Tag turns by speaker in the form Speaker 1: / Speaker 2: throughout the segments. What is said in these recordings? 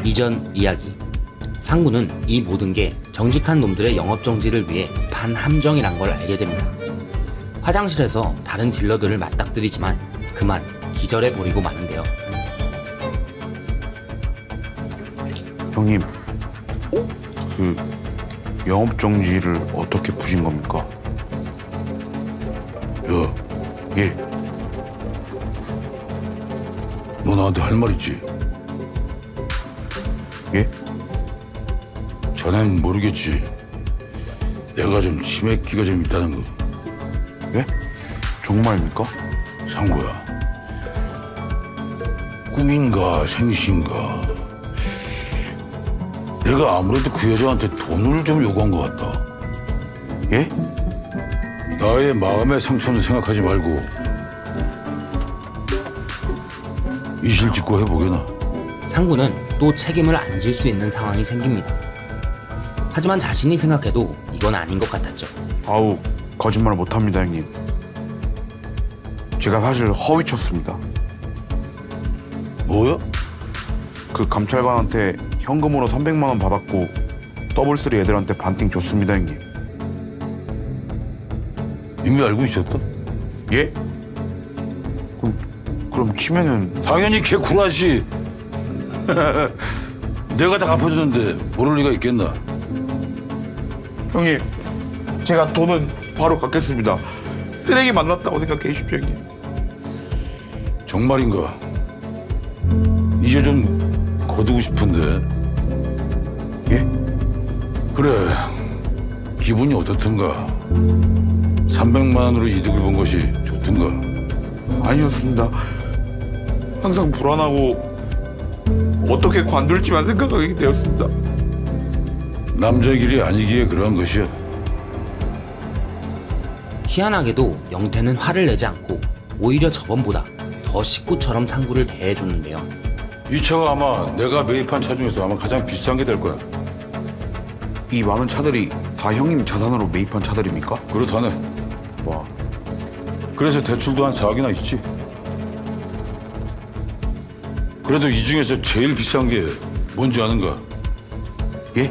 Speaker 1: 이전 이야기. 상구는 이 모든 게 정직한 놈들의 영업정지를 위해 반함정이란 걸 알게 됩니다. 화장실에서 다른 딜러들을 맞닥뜨리지만 그만 기절해버리고 마는데요.
Speaker 2: 형님, 그 영업정지를 어떻게 푸신 겁니까?
Speaker 3: 야,
Speaker 2: 예,
Speaker 3: 너 나한테 할 말 있지?
Speaker 2: 예?
Speaker 3: 자넨 모르겠지. 내가 좀 치맥기가 좀 있다는 거.
Speaker 2: 예? 정말입니까?
Speaker 3: 상구야. 꿈인가 생시인가. 내가 아무래도 그 여자한테 돈을 좀 요구한 것 같다.
Speaker 2: 예?
Speaker 3: 나의 마음의 상처는 생각하지 말고 이실직고 해보게나.
Speaker 1: 상구는 또 책임을 안 질 수 있는 상황이 생깁니다. 하지만 자신이 생각해도 이건 아닌 것 같았죠.
Speaker 2: 아우, 거짓말 못합니다, 형님. 제가 사실 허위 쳤습니다.
Speaker 3: 뭐야?
Speaker 2: 그 감찰관한테 현금으로 300만 원 받았고 더블3 애들한테 반띵 줬습니다, 형님.
Speaker 3: 이미 알고 있었다?
Speaker 2: 예? 그럼 치면은
Speaker 3: 당연히 개구라지. 내가 다 갚아줬는데 모를 리가 있겠나?
Speaker 2: 형님, 제가 돈은 바로 갚겠습니다. 쓰레기 만났다고 생각해 주십시오, 형님.
Speaker 3: 정말인가? 이제 좀 거두고 싶은데.
Speaker 2: 예?
Speaker 3: 그래, 기분이 어떻든가. 300만 원으로 이득을 본 것이 좋든가.
Speaker 2: 아니었습니다. 항상 불안하고 어떻게 관둘지만 생각하게 되었습니다.
Speaker 3: 남자의 길이 아니기에 그러한 것이야.
Speaker 1: 희한하게도 영태는 화를 내지 않고 오히려 저번보다 더 식구처럼 상구를 대해줬는데요.
Speaker 3: 이 차가 아마 내가 매입한 차 중에서 아마 가장 비싼 게 될 거야.
Speaker 2: 이 많은 차들이 다 형님 자산으로 매입한 차들입니까?
Speaker 3: 그렇다네.
Speaker 2: 와,
Speaker 3: 그래서 대출도 한 4억이나 있지. 그래도 이 중에서 제일 비싼 게 뭔지 아는가?
Speaker 2: 예?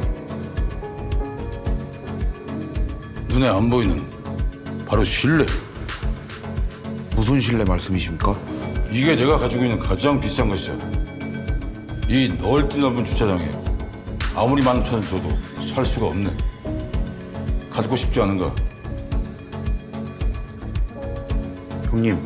Speaker 3: 눈에 안 보이는 바로 신뢰.
Speaker 2: 무슨 신뢰 말씀이십니까?
Speaker 3: 이게 내가 가지고 있는 가장 비싼 것이야. 이 넓은 주차장에 아무리 많은 차를 줘도 살 수가 없네. 갖고 싶지 않은가?
Speaker 2: 형님,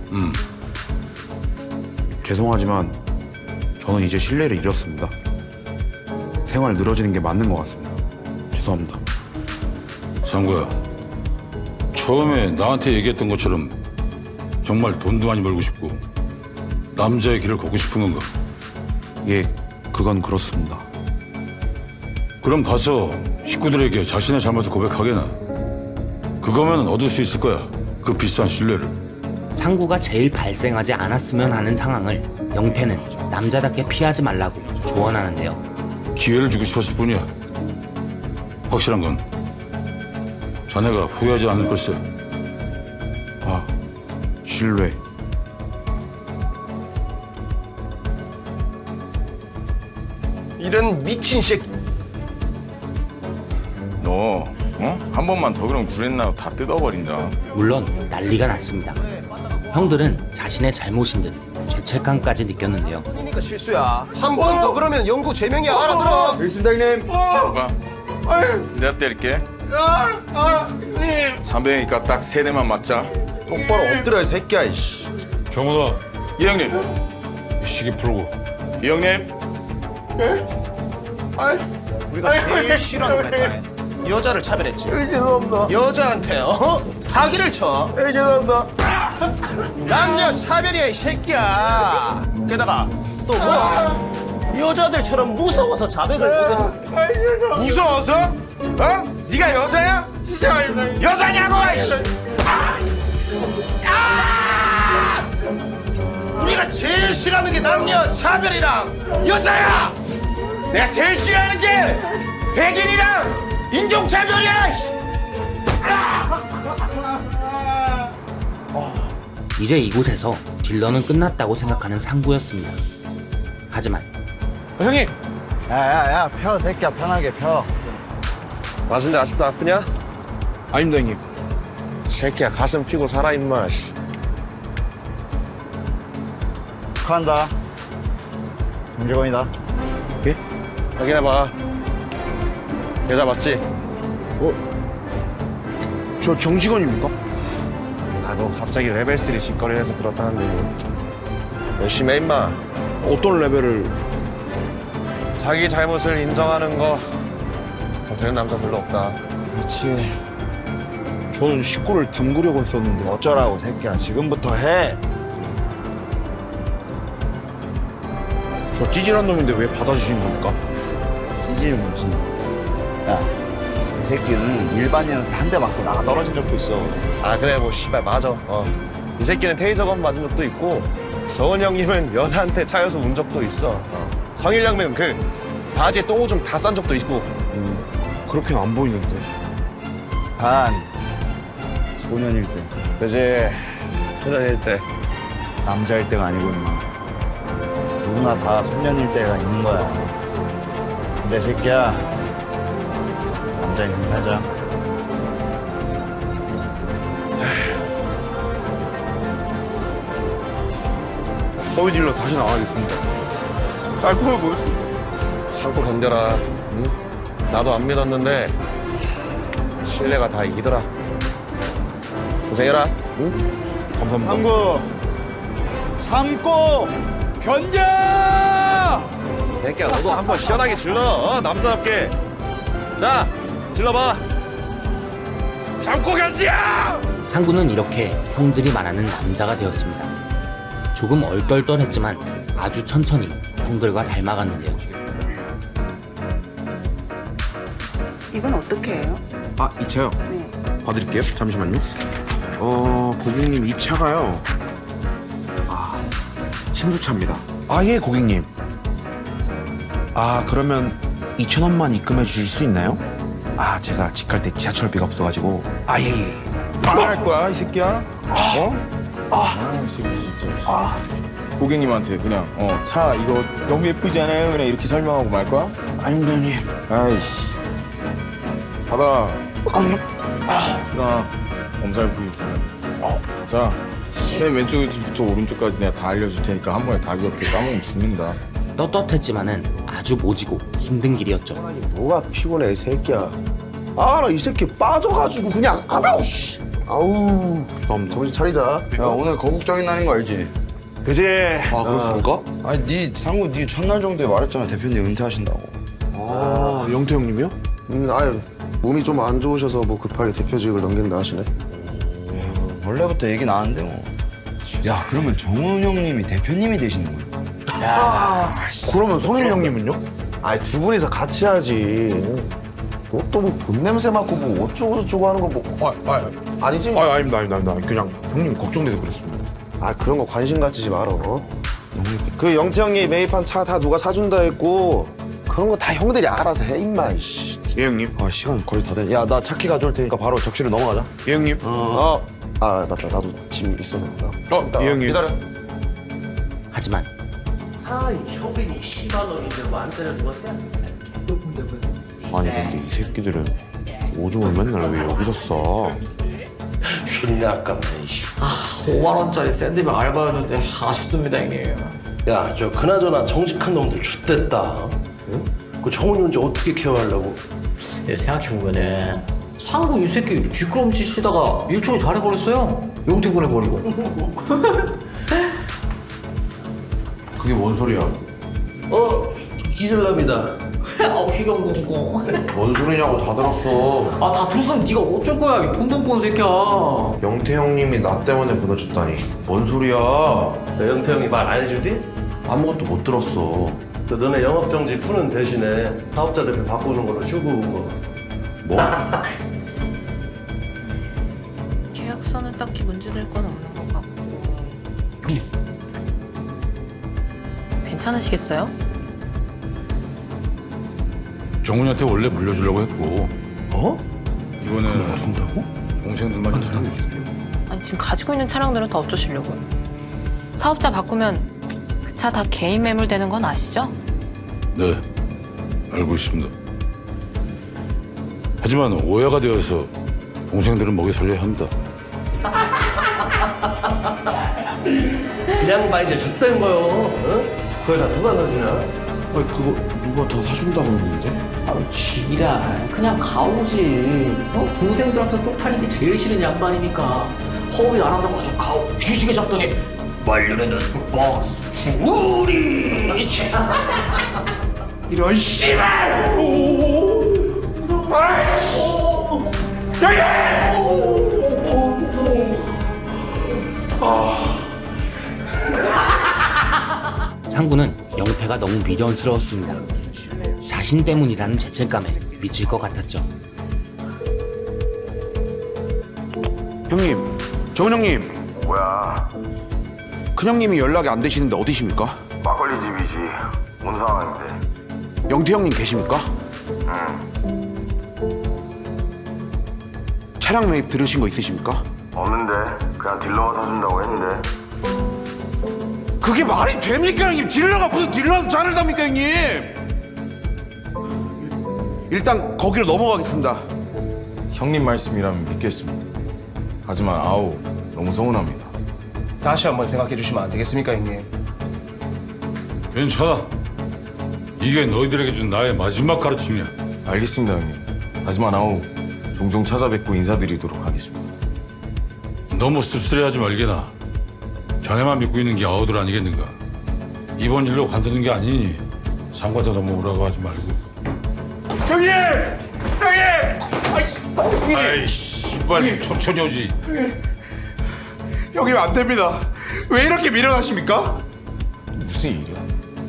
Speaker 2: 죄송하지만 저는 이제 신뢰를 잃었습니다. 생활 늘어지는 게 맞는 것 같습니다. 죄송합니다.
Speaker 3: 상구야, 처음에 나한테 얘기했던 것처럼 정말 돈도 많이 벌고 싶고 남자의 길을 걷고 싶은 건가?
Speaker 2: 예, 그건 그렇습니다.
Speaker 3: 그럼 가서 식구들에게 자신의 잘못을 고백하게나. 그거면 얻을 수 있을 거야. 그 비싼 신뢰를.
Speaker 1: 상구가 제일 발생하지 않았으면 하는 상황을 영태는 남자답게 피하지 말라고 조언하는데요.
Speaker 3: 기회를 주고 싶었을 뿐이야. 확실한 건 자네가 후회하지 않을 걸세.
Speaker 2: 아, 신뢰.
Speaker 4: 이런 미친 새끼.
Speaker 5: 너, 한 번만 더 그러면 구렛나루 다 뜯어버린다.
Speaker 1: 물론 난리가 났습니다. 형들은 자신의 잘못인 듯 죄책감까지 느꼈는데요.
Speaker 4: 그러니까 실수야. 한 번 더 그러면 영구 제명이야. 알아들어. 알겠습니다, 형님.
Speaker 5: 봐, 내가 때릴게.
Speaker 4: 형님.
Speaker 5: 300이니까 딱 3대만 맞자.
Speaker 4: 똑바로 엎드려, 이 새끼야. 이씨.
Speaker 3: 정훈아,
Speaker 5: 이 형님,
Speaker 3: 이 시계 풀고.
Speaker 5: 이 형님.
Speaker 4: 우리가 제일 싫어하는 거 했잖아. 여자를 차별했지. 죄송합니다. 여자한테 사기를 쳐. 죄송합니다. 남녀 차별이야, 이 새끼야. 게다가 또 뭐 여자들처럼 무서워서 자백을 못해.
Speaker 5: 무서워서? 네가 여자야? 진짜 여자냐고!
Speaker 4: 우리가 제일 싫어하는 게 남녀 차별이랑 여자야.
Speaker 5: 내가 제일 싫어하는 게 백인이랑 인종차별이야!
Speaker 1: 이제 이곳에서 딜러는 끝났다고 생각하는 상구였습니다. 하지만
Speaker 5: 형님,
Speaker 6: 야야야 펴 새끼야 편하게 펴.
Speaker 7: 맞은데 아직도 아프냐?
Speaker 2: 아닙니다 형님.
Speaker 7: 새끼야 가슴 피고 살아 임마. 씨.
Speaker 6: 축하한다. 정직원이다.
Speaker 7: 확인해봐. 계좌 맞지?
Speaker 2: 저 정직원입니까?
Speaker 7: 아뭐 갑자기 레벨 3 짓거리를 해서 그렇다는데 뭐. 열심히 해 임마.
Speaker 2: 어떤 레벨을?
Speaker 7: 자기 잘못을 인정하는 거 되는 남자 별로 없다.
Speaker 2: 그렇지. 저는 식구를 담그려고 했었는데.
Speaker 6: 어쩌라고 새끼야. 지금부터 해.
Speaker 2: 저 찌질한 놈인데 왜 받아주신 겁니까?
Speaker 6: 찌질이 무슨. 야, 이 새끼는 일반인한테 한 대 맞고 나가 떨어진 적도 있어.
Speaker 7: 아 그래 뭐 씨발 맞아. 이 새끼는 테이저건 맞은 적도 있고 서은 형님은 여자한테 차여서 운 적도 있어. 성일 형님은 그 바지에 똥오줌 다 싼 적도 있고.
Speaker 2: 그렇게는 안 보이는데.
Speaker 6: 단 소년일 때,
Speaker 7: 그지. 소년일 때.
Speaker 6: 남자일 때가 아니고 임마. 누구나 다 소년일 때가 있는 거야. 근데 새끼야, 남자 인생 살자.
Speaker 2: 허위 딜러 다시 나가겠습니다. 깔끔해 보였습니다.
Speaker 7: 참고 견뎌라. 응? 나도 안 믿었는데 신뢰가 다 이기더라. 고생해라. 응?
Speaker 2: 감사합니다.
Speaker 6: 참고, 참고, 견뎌!
Speaker 7: 새끼야 너도 한번 시원하게 질러. 남자답게. 자 질러봐. 참고 견뎌!
Speaker 1: 상구는 이렇게 형들이 말하는 남자가 되었습니다. 조금 얼떨떨했지만 아주 천천히 형들과 닮아갔는데요.
Speaker 8: 이건 어떻게 해요?
Speaker 2: 아, 이 차요?
Speaker 8: 네.
Speaker 2: 봐드릴게요. 잠시만요. 고객님 이 차가요. 신도차입니다. 아, 예, 고객님. 아, 그러면 2,000원만 입금해 주실 수 있나요? 아, 제가 집 갈 때 지하철비가 없어가지고. 아, 예, 예.
Speaker 5: 말할 거야 이 새끼야? 이 새끼 진짜. 고객님한테 그냥 차 이거 너무 예쁘지 않아요? 그냥 이렇게 설명하고 말 거야?
Speaker 2: 아닙니다, 형님.
Speaker 5: 아이씨. 받아. 자, 엄살 부위. 자, 맨 왼쪽부터 오른쪽까지 내가 다 알려줄 테니까 한 번에 다 기억해. 까먹으면 죽는다.
Speaker 1: 떳떳했지만은 아주 모지고 힘든 길이었죠.
Speaker 7: 뭐가 피곤해 이 새끼야. 아 나 이 새끼 빠져가지고 그냥 아우 씨. 아우. 정신 차리자.
Speaker 6: 야, 오늘 거국적인 날인 거 알지?
Speaker 7: 그지.
Speaker 2: 아, 그렇습니까?
Speaker 6: 아니, 네 상구 네 첫날 정도에 말했잖아. 대표님 은퇴하신다고.
Speaker 2: 아, 영태 형님이요?
Speaker 9: 아유 몸이 좀 안 좋으셔서 뭐 급하게 대표직을 넘긴다 하시네.
Speaker 6: 원래부터 얘기 나왔는데 뭐. 야, 그러면 정훈 형님이 대표님이 되시는 거야?
Speaker 2: 그러면 성일 형님은요?
Speaker 7: 아이 두 분이서 같이 하지. 너 또 뭐 돈 냄새 맡고 뭐 어쩌고 저쩌고 하는 거 뭐. 아니지?
Speaker 2: 아닙니다. 그냥 형님 걱정돼서 그랬습니다.
Speaker 9: 아 그런 거 관심 갖지 말어. 그 영태 형이 매입한 차 다 누가 사준다 했고
Speaker 7: 그런 거 다 형들이 알아서 해 임마 이씨.
Speaker 2: 예, 형님.
Speaker 9: 아 시간 거의 다 됐. 야나 차키 가져올 테니까 바로 적시로 넘어가자.
Speaker 2: 예, 형님.
Speaker 9: 아 맞다 나도 짐 있어서.
Speaker 2: 예, 형님.
Speaker 7: 기다려.
Speaker 1: 하지만
Speaker 2: 아니, 근데 이 새끼들은 오줌을 맨날 왜 여기서 싸?
Speaker 10: 쉰내 아깝네.
Speaker 11: 5만원짜리 샌드백 알바였는데 아쉽습니다 형님.
Speaker 10: 야, 저 그나저나 정직한 놈들 X됐다. 응? 그 정훈이 혼자 어떻게 케어하려고?
Speaker 11: 생각해보면은 상구 이 새끼 뒷걸음질 치다가 일종이 잘해버렸어요. 용태 보내버리고.
Speaker 2: 그게 뭔 소리야?
Speaker 10: 기절남이다.
Speaker 11: 희경공공.
Speaker 2: 뭔 소리냐고 다 들었어.
Speaker 11: 다 들었으면 네가 어쩔 거야 이 돈 돈 본 새끼야.
Speaker 2: 영태 형님이 나 때문에 무너졌다니. 뭔 소리야?
Speaker 10: 너 영태 형이 말 안 해주지?
Speaker 2: 아무것도 못 들었어.
Speaker 10: 그 너네 영업정지 푸는 대신에 사업자 대표 바꾸는 걸로 쇼부 거.
Speaker 2: 뭐?
Speaker 8: 계약서는 딱히 문제될 건 없는 것 같고. 괜찮으시겠어요?
Speaker 3: 정훈이한테 원래 물려주려고 했고. 이거는 준다고? 동생들만 준다고 해주세요.
Speaker 8: 아니 지금 가지고 있는 차량들은 다 어쩌시려고요? 사업자 바꾸면 그 차 다 개인 매물 되는 건 아시죠?
Speaker 3: 네. 알고 있습니다. 하지만 오해가 되어서 동생들은 먹여 살려야 합니다.
Speaker 10: 그냥 봐 이제 줬다는 거요. 어? 그걸 다 누가 사주냐?
Speaker 2: 아니 그거 누가 더 사준다고 그러는데?
Speaker 11: 아우 지랄 그냥 가오지. 동생들한테 쪽팔린 게 제일 싫은 양반이니까 허위 안 한다고 아주 가오 뒤지게 잡더니 말년에는 박수 우리
Speaker 4: 이런 씨발!
Speaker 1: 상구는 영태가 너무 미련스러웠습니다. 자신 때문이라는 죄책감에 미칠 것 같았죠.
Speaker 2: 형님, 정은 형님.
Speaker 12: 뭐야?
Speaker 2: 큰형님이 연락이 안 되시는데 어디십니까?
Speaker 12: 막걸리 집이지. 온 상황인데.
Speaker 2: 영태 형님 계십니까?
Speaker 12: 응.
Speaker 2: 차량 매입 들으신 거 있으십니까?
Speaker 12: 없는데. 그냥 딜러가 사준다고 했는데.
Speaker 2: 그게 말이 됩니까 형님? 딜러가 무슨 딜러한테 잔을 답니까 형님? 일단 거기로 넘어가겠습니다.
Speaker 5: 형님 말씀이라면 믿겠습니다. 하지만 아우 너무 서운합니다.
Speaker 7: 다시 한번 생각해 주시면 안 되겠습니까, 형님?
Speaker 3: 괜찮아. 이게 너희들에게 준 나의 마지막 가르침이야.
Speaker 5: 알겠습니다, 형님. 하지만 아우 종종 찾아뵙고 인사드리도록 하겠습니다.
Speaker 3: 너무 씁쓸해하지 말게나. 자네만 믿고 있는 게 아우들 아니겠는가. 이번 일로 관두는 게 아니니 상관자 넘어오라고 하지 말고.
Speaker 4: 형님! 형님!
Speaker 3: 아이 씨발 천천히 오지.
Speaker 4: 형님 안 됩니다. 왜 이렇게 밀어나십니까?
Speaker 5: 무슨 일이야?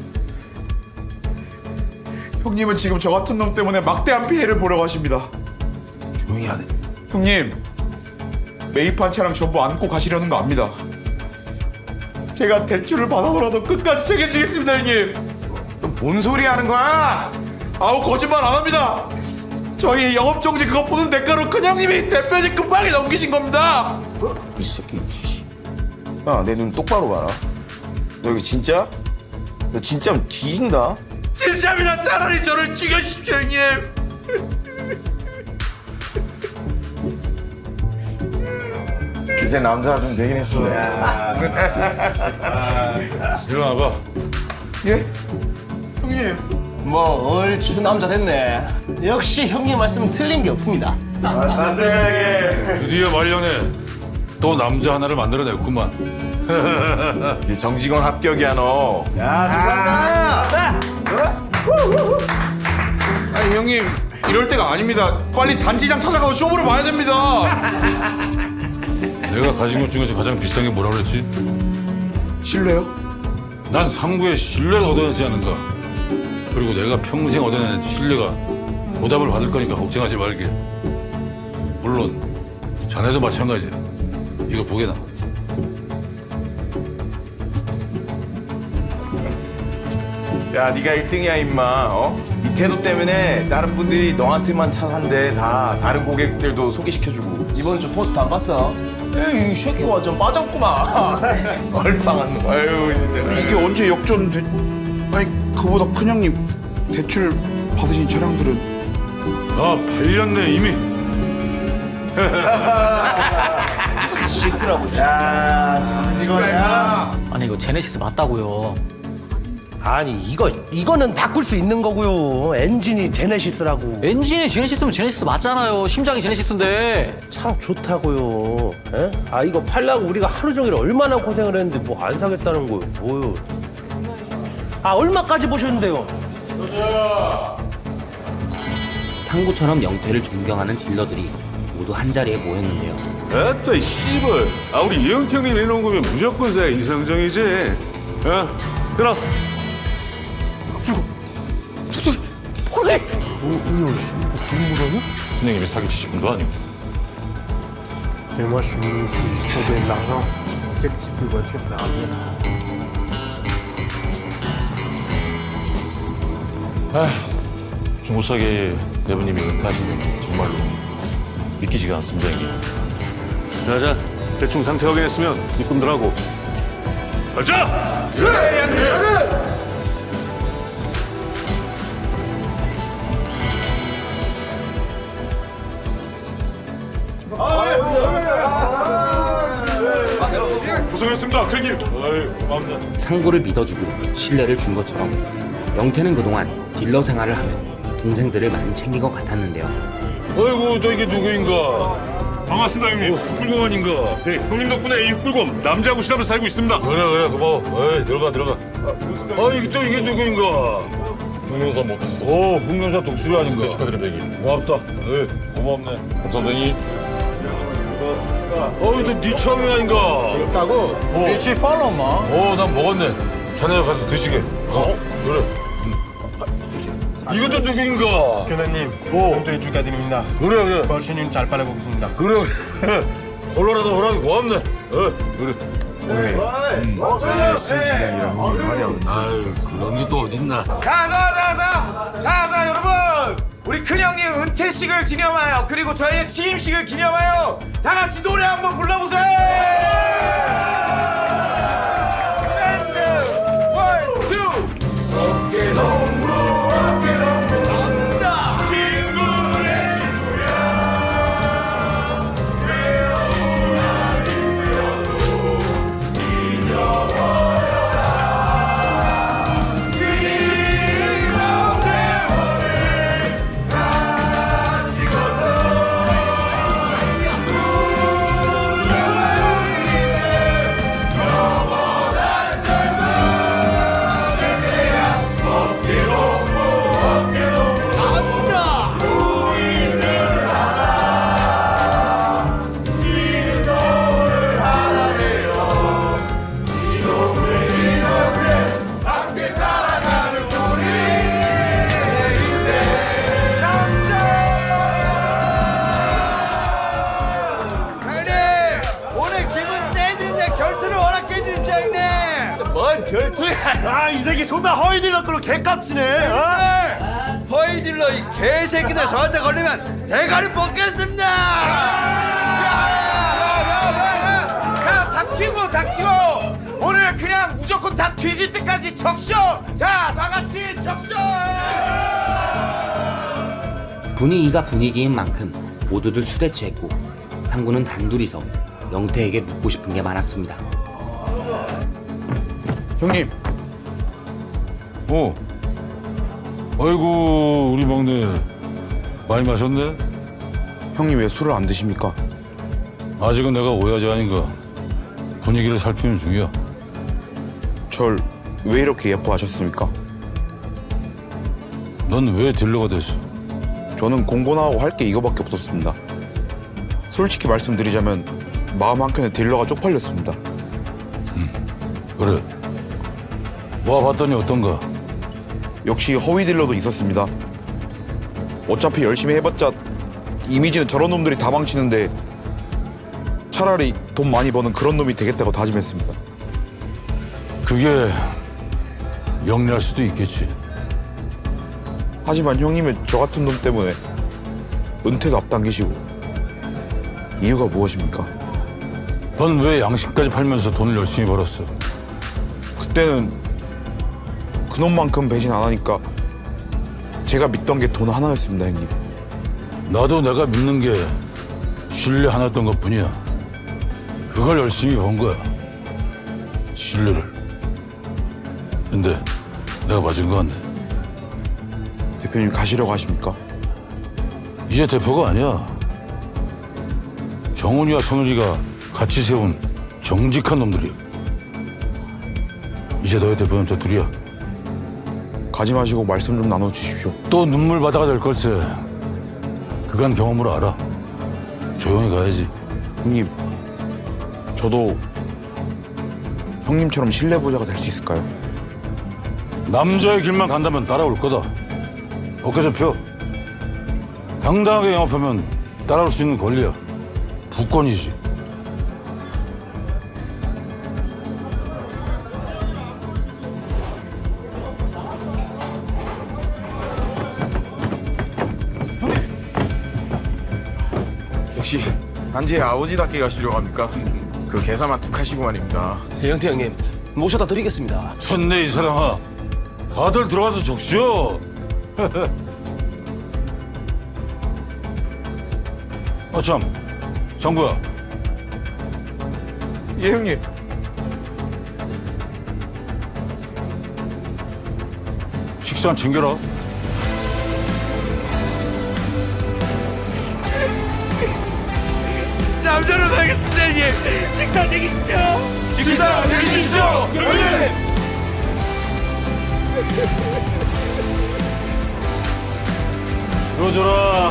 Speaker 4: 형님은 지금 저 같은 놈 때문에 막대한 피해를 보려고 하십니다.
Speaker 2: 조용히 하네.
Speaker 4: 형님, 매입한 차량 전부 안고 가시려는 거 압니다. 제가 대출을 받아서라도 끝까지 책임지겠습니다, 형님.
Speaker 9: 뭔 소리 하는 거야?
Speaker 4: 아우 거짓말 안 합니다. 저희 영업정지 그거 보는 대가로 큰형님이 대표직 금방에 넘기신 겁니다.
Speaker 9: 이 새끼. 야, 내 눈 똑바로 봐라. 너 이거 진짜? 너 진짜면 뒤진다.
Speaker 4: 진짜입니다. 차라리 저를 죽여주십시오, 형님.
Speaker 5: 이제 남자가 좀 되긴 했어.
Speaker 3: 일어나봐.
Speaker 4: 예? 형님.
Speaker 10: 뭐 얼추 남자 됐네. 역시 형님 말씀은 틀린 게 없습니다.
Speaker 3: 드디어 말년에 또 남자 하나를 만들어냈구만.
Speaker 5: 이제 정직원 합격이야 너.
Speaker 4: 아니 형님 이럴 때가 아닙니다. 빨리 단지장 찾아가서 쇼부를 봐야 됩니다.
Speaker 3: 내가 가진 것 중에서 가장 비싼 게 뭐라 그랬지?
Speaker 4: 실례요?
Speaker 3: 난 상구의 신뢰를 얻어내지 않는가. 그리고 내가 평생 얻어낸 신뢰가 보답을 받을 거니까 걱정하지 말게. 물론 자네도 마찬가지야. 이거 보게나.
Speaker 5: 야, 네가 1등이야 임마. 어? 이 태도 때문에 다른 분들이 너한테만 차 산대. 다 다른 고객들도 소개시켜주고.
Speaker 10: 이번 주 포스트 안 봤어? 에이 이 새끼가 완전 빠졌구만.
Speaker 5: 얼빵한 놈. 아유 진짜.
Speaker 2: 이게 언제 역전돼? 아니 그보다 큰형님 대출 받으신 차량들은
Speaker 3: 나 8년 내 이미.
Speaker 10: 시끄러워. 야, 이거야.
Speaker 11: 아니 이거 제네시스 맞다고요.
Speaker 10: 아니 이거는 바꿀 수 있는 거고요. 엔진이 제네시스라고.
Speaker 11: 엔진이 제네시스면 제네시스 맞잖아요. 심장이 제네시스인데.
Speaker 10: 참 좋다고요. 에? 아 이거 팔려고 우리가 하루 종일 얼마나 고생을 했는데 뭐 안 사겠다는 거요. 뭐요? 아 얼마까지 보셨는데요?
Speaker 1: 상구처럼 영태를 존경하는 딜러들이 모두 한자리에 모였는데요.
Speaker 12: 에따 씨발. 아 우리 이영태 형님 내놓은 거면 무조건 사야 이상정이지. 야, 들어.
Speaker 3: 선생님이 사기치신 분도 아니고.
Speaker 12: 중고차계 대부님이 은퇴하신 게 정말로 믿기지가 않습니다, 형님. 자자, 대충 상태 확인했으면 입금들하고. 가자! 알겠습니다, 형님. 어이, 고맙네.
Speaker 1: 상구를 믿어주고 신뢰를 준 것처럼 영태는 그동안 딜러 생활을 하며 동생들을 많이 챙긴 것 같았는데요.
Speaker 3: 어이구, 너 이게 누구인가?
Speaker 12: 반갑습니다, 형님. 꿀검 아닌가? 네, 형님 덕분에 이 꿀검 남자하고 시합에서 살고 있습니다.
Speaker 3: 그래, 고마워. 어이, 들어가. 이게 또 이게 누구인가?
Speaker 12: 동영상 먹고.
Speaker 3: 오, 흑명사 독수리 아닌가?
Speaker 12: 축하드립니다, 형님.
Speaker 3: 고맙다. 에이, 고맙네.
Speaker 12: 감사합니다, 형님.
Speaker 3: 어이, 너네 처음이 아닌가?
Speaker 10: 있다고?
Speaker 3: 그렇지,
Speaker 10: 팔로우 마.
Speaker 3: 난 먹었네. 자네가 가서 드시게. 그래. 이것도 누구인가?
Speaker 10: 교장님,
Speaker 3: 오.
Speaker 10: 축하드립니다.
Speaker 3: 그래.
Speaker 10: 벌신님 잘 빨아보겠습니다.
Speaker 3: 그래. 콜로라도 호랑이 고맙네. 그래.
Speaker 5: 신시간이랑 화려한.
Speaker 3: 아유, 그런 게 또 어딨나?
Speaker 4: 자, 여러분! 우리 큰형님 은퇴식을 기념하여 그리고 저희의 취임식을 기념하여 다 같이 노래 한번 불러보세요! 밴드! 원, 투!
Speaker 10: 이 새끼 정말 허위딜러 끌고 개값이네.
Speaker 6: 허위딜러 이 개새끼들 저한테 걸리면 대가리 뽑겠습니다.
Speaker 4: 자, 닥치고! 오늘 그냥 무조건 다 뒤질 때까지 적셔! 자, 다 같이 적셔!
Speaker 1: 분위기가 분위기인 만큼 모두들 술에 취했고 상구는 단둘이서 영태에게 묻고 싶은 게 많았습니다.
Speaker 2: 형님,
Speaker 3: 아이고, 우리 막내 많이 마셨네?
Speaker 2: 형님 왜 술을 안 드십니까?
Speaker 3: 아직은 내가 오야지 아닌가. 분위기를 살피는 중이야.
Speaker 2: 절 왜 이렇게 예뻐하셨습니까?
Speaker 3: 넌 왜 딜러가 됐어?
Speaker 2: 저는 공고나하고 할 게 이거밖에 없었습니다. 솔직히 말씀드리자면 마음 한켠에 딜러가 쪽팔렸습니다.
Speaker 3: 그래. 모아봤더니 어떤가?
Speaker 2: 역시 허위 딜러도 있었습니다. 어차피 열심히 해봤자 이미지는 저런 놈들이 다 망치는데 차라리 돈 많이 버는 그런 놈이 되겠다고 다짐했습니다.
Speaker 3: 그게 영리할 수도 있겠지.
Speaker 2: 하지만 형님은 저 같은 놈 때문에 은퇴도 앞당기시고 이유가 무엇입니까?
Speaker 3: 넌 왜 양식까지 팔면서 돈을 열심히 벌었어?
Speaker 2: 그때는 그놈만큼 배신 안 하니까 제가 믿던 게 돈 하나였습니다, 형님.
Speaker 3: 나도 내가 믿는 게 신뢰 하나였던 것뿐이야. 그걸 열심히 번 거야. 신뢰를. 근데 내가 맞은 거 같네.
Speaker 2: 대표님 가시려고 하십니까?
Speaker 3: 이제 대표가 아니야. 정훈이와 선우리가 같이 세운 정직한 놈들이야. 이제 너의 대표는 저 둘이야.
Speaker 2: 가지 마시고 말씀 좀 나눠주십시오.
Speaker 3: 또 눈물 바다가 될 걸세. 그간 경험으로 알아. 조용히 가야지.
Speaker 2: 형님, 저도 형님처럼 신뢰보자가 될 수 있을까요?
Speaker 3: 남자의 길만 간다면 따라올 거다. 어깨 좀 펴. 당당하게 영업하면 따라올 수 있는 권리야. 부권이지.
Speaker 5: 역시 안지의 아버지답게 가시려고 합니까? 그 계산만 툭 하시고 말입니다.
Speaker 10: 영태 형님 모셔다 드리겠습니다.
Speaker 3: 됐네, 이 사람아. 다들 들어가서 적시오. 참, 정구야.
Speaker 4: 예, 형님.
Speaker 3: 식사 챙겨라.
Speaker 4: 식사 챙기십시오. 형님.
Speaker 3: 들어줘라.